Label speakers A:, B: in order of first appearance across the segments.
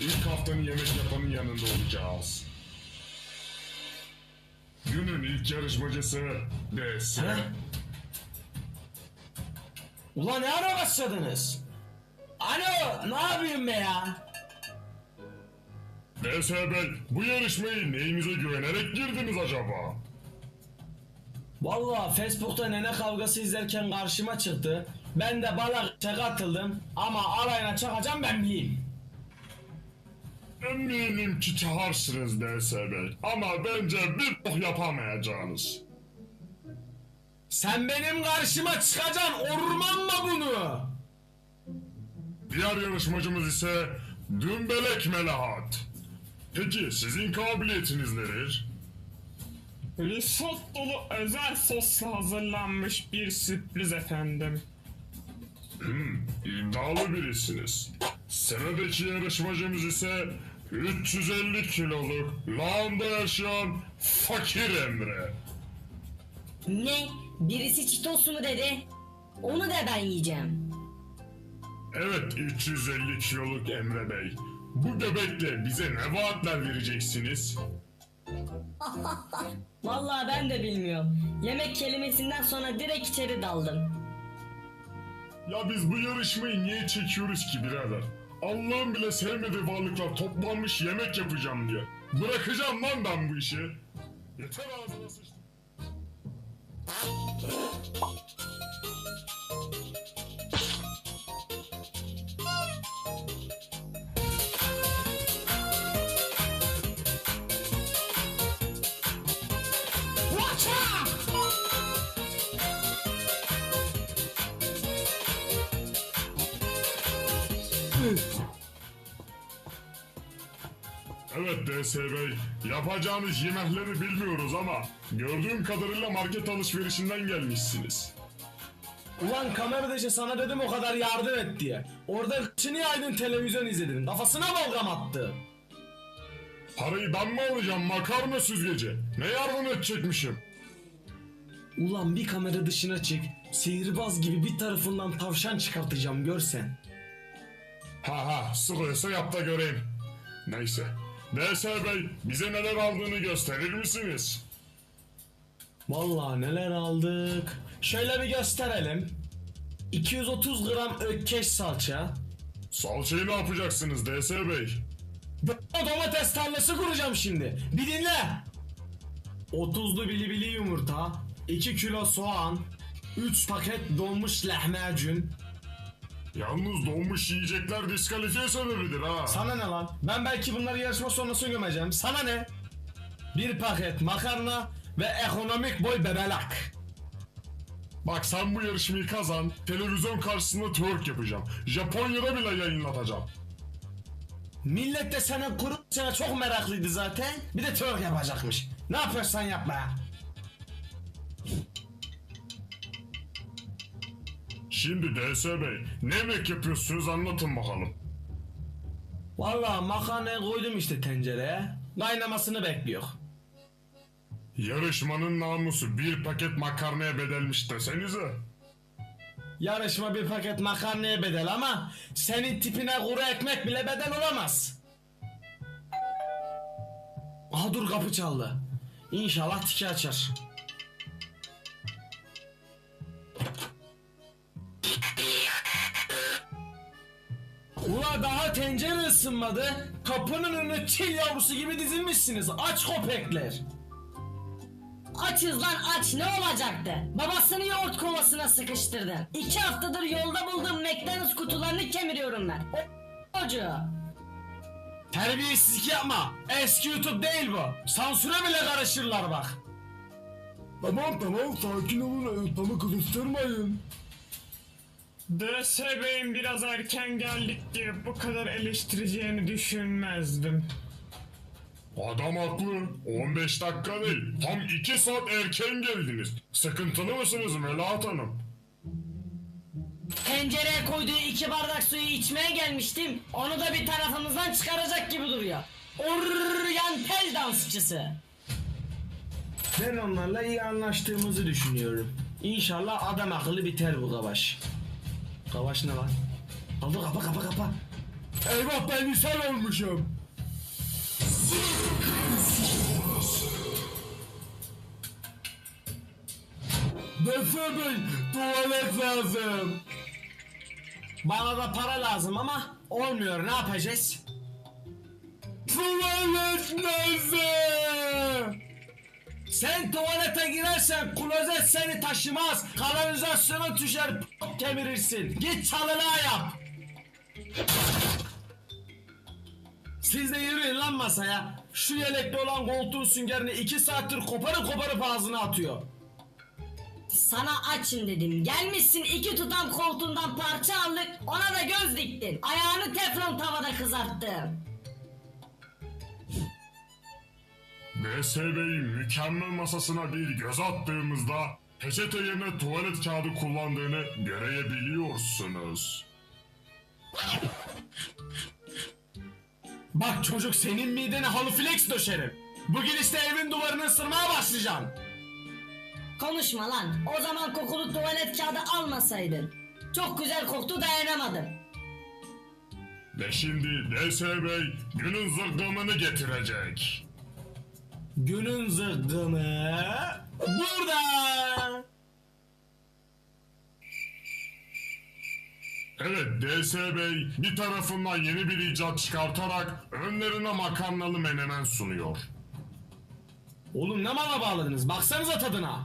A: İlk haftanın yemek yapanın yanında olacağız. Günün ilk yarışmacısı DS.
B: He? Ulan ne ara başladınız? Alo, ne yapayım be ya?
A: DS Bey, bu yarışmayı neyinize güvenerek girdiniz acaba?
B: Vallahi Facebook'ta nene kavgası izlerken karşıma çıktı. Ben de balıkça katıldım ama alayına çakacağım ben bileyim.
A: Eminim ki çağırsınız DS Bey ama bence bir bok yapamayacağınız.
B: Sen benim karşıma çıkacaksın, ormanma bunu.
A: Diğer yarışmacımız ise Dümbelek Melahat. Peki sizin kabiliyetiniz nedir?
C: Risottolu özel sosla hazırlanmış bir sürpriz efendim.
A: İddialı birisiniz. Sıradaki yarışmacımız ise 350 kiloluk lağımda yaşayan Fakir Emre.
D: Ne? Birisi çitosu mu dedi? Onu da ben yiyeceğim.
A: Evet 350 kiloluk Emre Bey. Bu göbekle bize ne vaatler vereceksiniz?
D: Vallahi ben de bilmiyorum. Yemek kelimesinden sonra direkt içeri daldım.
A: Ya biz bu yarışmayı niye çekiyoruz ki birader? Allah'ın bile sevmediği varlıklar toplanmış yemek yapacağım diye. Bırakacağım lan ben bu işi. Yeter ağzına sıçtım. Evet DS Bey, yapacağınız yemekleri bilmiyoruz ama gördüğüm kadarıyla market alışverişinden gelmişsiniz.
B: Ulan kameradaki sana dedim o kadar yardım et diye. Orada Çin'i aydın televizyon izledin. Kafasına balgam attı.
A: Parayı ben mi alacağım makarna süzgeci? Ne yardım edecekmişim?
B: Ulan bir kamera dışına çık. Sihirbaz gibi bir tarafından tavşan çıkartacağım görsen.
A: Ha sıkıyorsa yap da göreyim. Neyse. DS Bey bize neler aldığını gösterir misiniz?
B: Vallahi neler aldık. Şöyle bir gösterelim. 230 gram ökkeş salça.
A: Salçayı ne yapacaksınız DS Bey?
B: Ben domates tarlası kuracağım şimdi. Bir dinle. 30'lu bilibili yumurta. 2 kilo soğan. 3 paket donmuş lahmacun.
A: Yalnız donmuş yiyecekler diskalifiye sebebidir ha.
B: Sana ne lan? Ben belki bunları yarışma sonrası gömeceğim. Sana ne? Bir paket makarna ve ekonomik boy bebelak.
A: Bak sen bu yarışmayı kazan, televizyon karşısında twerk yapacağım. Japonya'da bile yayınlatacağım.
B: Millet de senin kuru sana çok meraklıydı zaten. Bir de twerk yapacakmış. Ne yapıyorsan yapma ya.
A: Şimdi DS Bey, ne yemek yapıyorsunuz anlatın bakalım.
B: Vallahi makarnayı koydum işte tencereye. Kaynamasını bekliyor.
A: Yarışmanın namusu bir paket makarnaya bedelmiş desenize.
B: Yarışma bir paket makarnaya bedel ama senin tipine kuru ekmek bile bedel olamaz. Aha dur kapı çaldı. İnşallah tiki açar. Ula daha tencere ısınmadı. Kapının önüne çil yavrusu gibi dizilmişsiniz. Aç köpekler.
D: Açız lan aç, ne olacaktı? Babasını yoğurt kovasına sıkıştırdı. 2 haftadır yolda bulduğum McDonald's kutularını kemiriyorum ben. Çocuğu.
B: Terbiyesizlik yapma. Eski YouTube değil bu. Sansüre bile karışırlar bak.
A: Tamam sakin olun ortamı kızıştırmayın.
C: DS Bey'in biraz erken geldik diye bu kadar eleştireceğini düşünmezdim.
A: Adam haklı. 15 dakika değil. Tam 2 saat erken geldiniz. Sıkıntılı mısınız Melahat Hanım?
D: Tencereye koyduğu 2 bardak suyu içmeye gelmiştim. Onu da bir tarafımızdan çıkaracak gibi duruyor. Oryantal dansçısı.
B: Ben onlarla iyi anlaştığımızı düşünüyorum. İnşallah adam akıllı biter bu Kavaş. Kavaş ne lan? Kapı. Eyvah ben ishal olmuşum. Doktor bey tuvalet lazım. Bana da para lazım ama olmuyor, ne yapacağız? Tuvalet lazım. Sen tuvalete girersen klozet seni taşımaz. Kanalizasyona düşer kemirirsin. Git çalılığa yap. Siz de yürüyün lan masaya. Şu yelekli olan koltuğun süngerini 2 saattir koparıp ağzına atıyor.
D: Sana açın dedim. Gelmişsin 2 tutam koltuğundan parça aldık. Ona da göz diktin. Ayağını teflon tavada kızarttım.
A: BSB'yi mükemmel masasına bir göz attığımızda peçete yerine tuvalet kağıdı kullandığını görebiliyorsunuz.
B: Bak çocuk, senin midene halı flex döşerim. Bu gidişte evin duvarını ısırmaya başlayacaksın.
D: Konuşma lan. O zaman kokulu tuvalet kağıdı almasaydın. Çok güzel koktu, dayanamadım.
A: Ve şimdi DSB günün zırgımını getirecek.
B: Günün zırgımı burada.
A: Evet, DSB bir tarafından yeni bir icat çıkartarak önlerine makarnalı menemen sunuyor.
B: Oğlum ne mala bağladınız? Baksanıza tadına.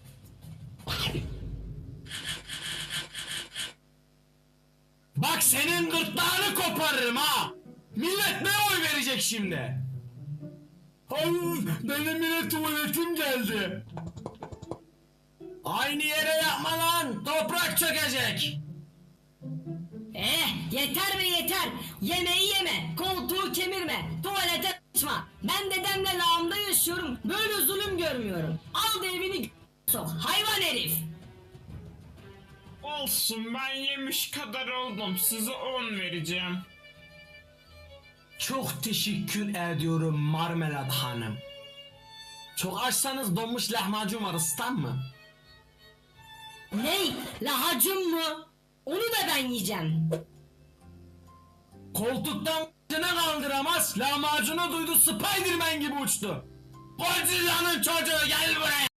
B: Bak senin gırtlağını koparırım ha. Millet ne oy verecek şimdi? Ay, benim yine tuvaletim geldi. Aynı yere yapma lan. Toprak çökecek.
D: Yeter be yeter. Yemeği yeme, koltuğu kemirme, tuvalete açma. Ben dedemle lağımda yaşıyorum. Böyle zulüm görmüyorum. Al da evini sok. Hayvan herif.
C: Olsun, ben yemiş kadar oldum. Size 10 vereceğim.
B: Çok teşekkür ediyorum Marmelat Hanım. Çok açsanız donmuş lahmacun var, ısıtan mı?
D: Ney? Lahacım mı? Onu da ben yiyeceğim.
B: Koltuktan ne kaldıramaz, lahmacunu duydu Spiderman gibi uçtu. Godzilla'nın çocuğu gel buraya.